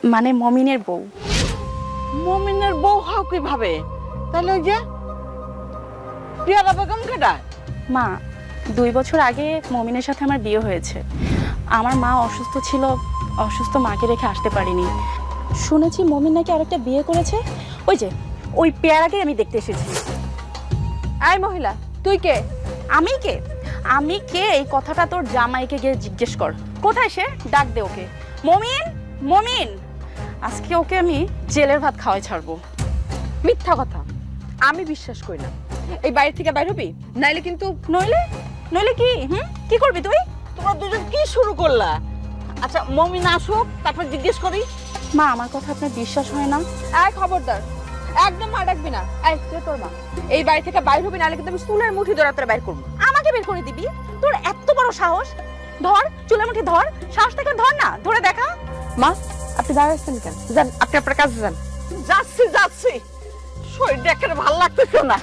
মানে মমিনের বউ। মমিনের বউ হও কিভাবে? তাহলে ওই যে পিয়ারা বেগম কেডা? মা, 2 বছর আগে মমিনের সাথে আমার বিয়ে হয়েছে। আমার মা অসুস্থ ছিল, অসুস্থ মাকে রেখে আসতে পারিনি। শুনেছি মমিন নাকি আরেকটা বিয়ে করেছে। ওই যে ওই পেয়ারাকে আমি দেখতে এসেছি। আই মহিলা, তুই কে? আমি কে? আমি কে এই কথাটা তোর জামাইকে গিয়ে জিজ্ঞেস কর। কোথায় সে? ডাক দে ওকে। মমিন, মমিন, আজকে ওকে আমি জেলের ভাত খাওয়াই ছাড়বো। মিথ্যা কথা, আমি বিশ্বাস করি না। এই বাড়ি থেকে বাইর হবি, নাইলে কিন্তু। নইলে? নইলে কি? কি করবি তুই? তোমরা দুজন কি শুরু করলা? আচ্ছা মমিন আসুক, তারপর জিজ্ঞেস করি। মা, আমার কথা আপনার বিশ্বাস হয় না? এই খবরদার, একদম মা ডাকবি না। এই কে তোর মা? এই বাড়ি থেকে বাইর হবি, নাইলে কিন্তু আমি চুলের মুঠি ধরে তোরা বাইর করবো। আমাকে বের করে দিবি? তোর এত বড় সাহস? ধর, চুলের মুঠি ধর, সাহস থেকে ধর না, ধরে দেখা। মা, আপনি দাঁড়াচ্ছেন কেন? যান, আপনি আপনার কাজে যান। যাচ্ছি যাচ্ছি, শরীরটা একেবারে ভালো লাগতেছে না।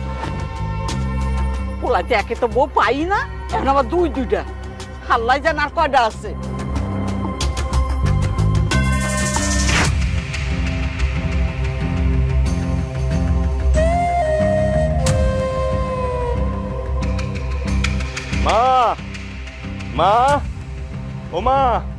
পোলাতে একে তো বউ পাই না, এখন আবার দুইটা। হাল্লাই যান আর কয়টা আছে? মা, মা, ও মা,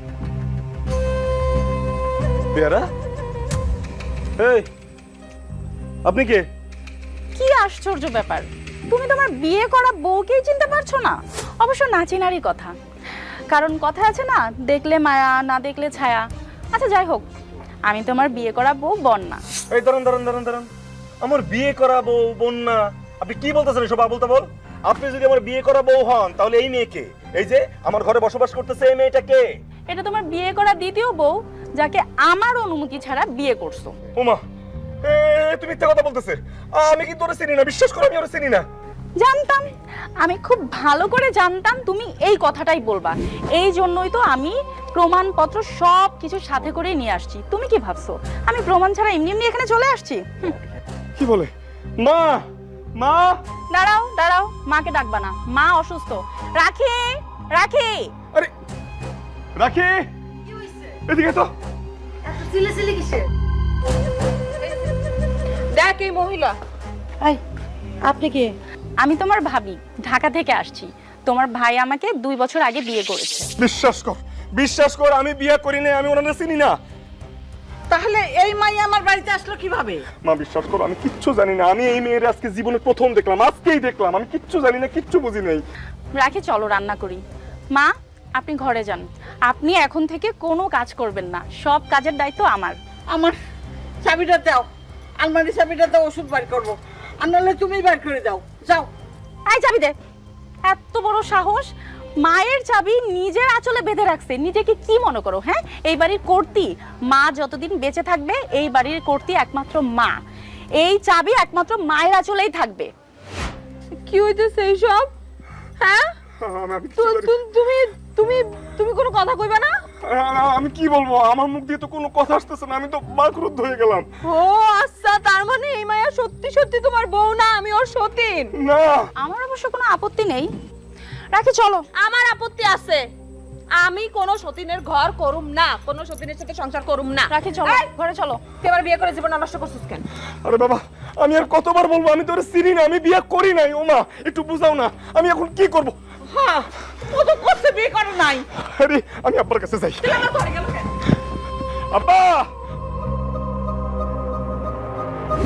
পেয়ারা, এই আপনি কে? কি আশ্চর্য ব্যাপার, তুমি তোমার বিয়ে করা বউকেই চিনতে পারছো না? অবশ্য না চিনারই কথা, কারণ কথা আছে না, দেখলে মায়া, না দেখলে ছায়া। আচ্ছা যাই হোক, আমি তোমার বিয়ে করা বউ বন্যা। এই দাঁড়ান দাঁড়ান দাঁড়ান দাঁড়ান, আমার বিয়ে করা বউ বন্যা? আপনি কি বলতেছেন এসব আবোল তাবোল? আপনি যদি আমার বিয়ে করা বউ হন, তাহলে এই মেয়েকে, এই যে আমার ঘরে বসবাস করতেছে, এই মেয়েটা কে? এটা তোমার বিয়ে করা দ্বিতীয় বউ, যাকে আমার অনুমতি ছাড়া বিয়ে করছো। ওমা, তুমি মিথ্যা কথা বলতেছে। আমি কিন্তু ওরে চিনি না, বিশ্বাস করো আমি ওরে চিনি না। জানতাম, আমি খুব ভালো করে জানতাম তুমি এই কথাটাই বলবা। এই জন্যই তো আমি প্রমাণপত্র সব কিছু সাথে করে নিয়ে আসছি। তুমি কি ভাবছো আমি প্রমাণ ছাড়া এমনি এমনি এখানে চলে আসছি? কি বলে? মা, মা, দাঁড়াও দাঁড়াও, মাকে ডাকবা না, মা অসুস্থ। রাখি, রাখি, আরে রাখি, এদিকে তো। দেখ এই মহিলা। এই, আপনি কে? আমি তোমার ভাবি, ঢাকা থেকে আসছি। তোমার ভাই আমাকে 2 বছর আগে বিয়ে করেছে। বিশ্বাস কর, বিশ্বাস কর, আমি বিয়ে করি না, আমি ওনাকে চিনি না। তাহলে এই মাই আমার বাড়িতে আসলো কিভাবে? মা বিশ্বাস করো, আমি কিচ্ছু জানি না। আমি এই মেয়ের আজকে জীবনে প্রথম দেখলাম, আজকেই দেখলাম। আমি কিচ্ছু জানি না, কিচ্ছু বুঝি নাই। রাখি, চলো রান্না করি। মা, আপনি ঘরে যান। আপনি এখন থেকে কোনো কাজ করবেন না, সব কাজের দায়িত্ব আমার। আমার চাবিটা দাও, আলমারি চাবিটা দাও, ওষুধ বার করবো। আর নাহলে তুমি বার করে দাও, যাও। আই চাবি দে। এত বড় সাহস, মায়ের চাবি নিজের আঁচলে বেঁধে রাখছে। নিজেকে কি মনে করো? হ্যাঁ, এই বাড়ির কর্ত্রী মা যতদিন বেঁচে থাকবে, এই বাড়ির কর্ত্রী একমাত্র মা। এই চাবি একমাত্র মায়ের আঁচলেই থাকবে। কি হইতেছে এইসব? হ্যাঁ, আমি কিচ্ছু জানি না। তুমি তুমি তুমি কোনো কথা কইবা না? আমি কি বলবো? আমার মুখ দিয়ে তো কোনো কথা আসতেছে না, আমি তো বাকরুদ্ধ হয়ে গেলাম। ও আচ্ছা, তার মানে এই মায়া সত্যি সত্যি তোমার বউ না, আমি ওর সতীন। না, আমার অবশ্য কোনো আপত্তি নেই। রাখি, চলো। আমার আপত্তি আছে। আমি কোন সতীনের ঘর করুম না, কোন সতীনের সাথে সংসার করুম না। রাখি, চলো, এই, ঘরে চলো। তুই আবার বিয়ে করে জীবন নষ্ট করছিস কেন? আরে বাবা, আমি আর কতবার বলবো আমি তোরে চিনি না, আমি বিয়ে করি নাই। ও মা, একটু বুঝাও না, আমি এখন কি করব? হ্যাঁ, ও তো করতে বিয়ে করে নাই। আরে আমি আব্বার কাছে যাই। আমার ঘরে গেল কেন? আব্বা,